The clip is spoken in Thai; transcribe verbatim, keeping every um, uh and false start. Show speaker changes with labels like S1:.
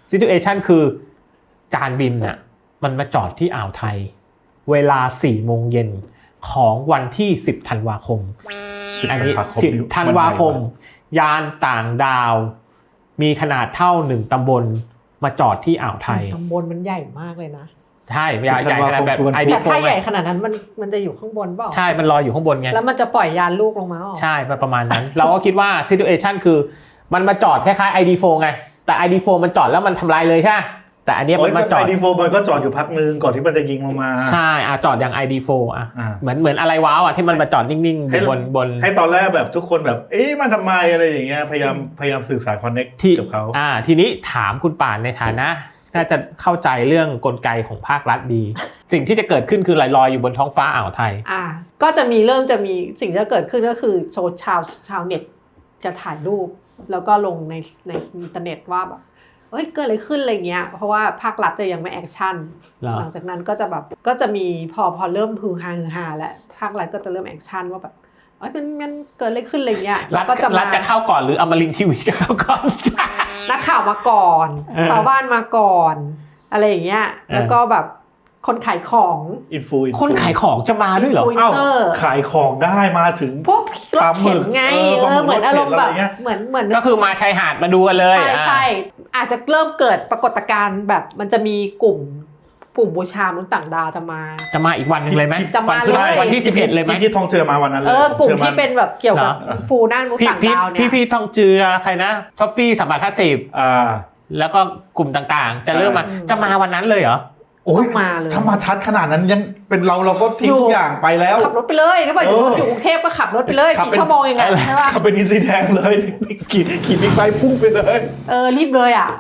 S1: situation คือจานบินน่ะมันมาจอดที่อ่าวไทยเวลาสี่โมงเย็นของวันที่สิบธันวาคมอันนี้สิบธันวาคมยานต่างดาวมีขนาดเท่าหนึ่งตำบลมาจอดที่อ่าวไทย
S2: ตำบลมันใหญ่มากเลยนะ
S1: ใช่ใหญ่ใหญ่ขนาดแบบ ไอ ดี โฟร์
S2: แต่ถ้าใหญ่ขนาดนั้นมันมันจะอยู่ข้างบนเปล่า
S1: ใช่มันลอยอยู่ข้างบนไง
S2: แล้วมันจะปล่อยยานลูกลงมาอ๋อ
S1: ใช่ประมาณนั้น เราก็คิดว่า situation คือมันมาจอดคล้ายๆ ไอ ดี โฟร์ ไงแต่ ไอ ดี โฟร์ มันจอดแล้วมันทำลายเลยใช่แต่อันนี้มันมาจอด
S3: ไอ ดี โฟร์ มันก็จอดอยู่พักนึงก่อนที่มันจะยิงลงมา
S1: ใช่อ่ะจอดอย่าง ไอ ดี โฟร์ อ่ะเหมือนเหมือนอะไรว้าวอ่ะที่มันมาจอดนิ่งๆบนบน
S3: ให้ตอนแรกแบบทุกคนแบบเอ๊ะมันทำไมอะไรอย่างเงี้ยพยายามพยายามสื่อสารคอนเนคกับเขา
S1: อ่าทีนี้ถามคุณป่านในฐานะน่าจะเข้าใจเรื่องกลไกของภาครัฐดี สิ่งที่จะเกิดขึ้นคือลอยๆอยู่บนท้องฟ้าอ่าวไทย
S2: อ่าก็จะมีเริ่มจะมีสิ่งที่จะเกิดขึ้นก็คือโซชาวชาวเน็ตจะถ่ายรูปแล้วก็ลงในในอินเทอร์เน็ตว่าแบบเฮ้ยเกิดอะไรขึ้นอะไรเงี้ยเพราะว่าภาครัฐจะยังไม่แอคชั่นหลังจากนั้นก็จะแบบก็จะมีพอพอเริ่มฮือฮาฮือฮาแล้วภาครัฐก็จะเริ่มแอคชั่นว่าแบบเอ้ยมันมันเกิดอะไรขึ้นอะไรเงี้ย
S1: รัฐก็จะรัฐจะเข้าก่อนหรืออมรินทร์ทีวีจะเข้าก่อน
S2: นักข่าวมาก่อนชาวบ้านมาก่อนอะไรอย่างเงี้ยแล้วก็แบบคนขายของ
S3: อินฟู
S1: คนขายของจะมาด้วยเหรอ
S3: อ้าวขายของได้มาถึง
S2: พวกรถเข็นไงเออเหมือนอารมณ์แบบเหมือนเหมือน
S1: ก็คือมาชายหาดมาดูกันเลย
S2: ใช่ใช่อาจจะเริ่มเกิดปรากฏการณ์แบบมันจะมีกลุ่มกลุ่มบูชามนุษย์ต่างดาวจะมา
S1: จะมาอีกวันนึงเลยไหม
S2: จะมาเลย
S1: วันที่สิบเอ็ดเลยไหม
S3: พี่ทองเจือมาวันนั้นเลย
S2: เออกลุ่มที่เป็นแบบเกี่ยวกับฟูน่ามนุษย์ต่างดาวเนี่ย
S1: พี่พี่ทองเจือใครนะท็อฟฟี่สัมบัติห้าสิบ
S3: อ่า
S1: แล้วก็กลุ่มต่างๆจะเริ่มมาจะมาวันนั้นเลยเหรอ
S3: โอ้ยมาเลยถ้ามาชัดขนาดนั้นยังเป็นเราเราก็ทิ้งทุกอย่างไปแล้ว
S2: ขับรถไปเลยถ้าไปอยู่อยู่กรุงเทพก็ขับรถไปเลยกี่ชั่วโมงยังไงใช่ป่ะ
S3: ขับเป็นอินซีแดงเลยขี่ขี่บิ๊กไบค์พุ่งไปเลย
S2: เออรีบเลยอ่ะ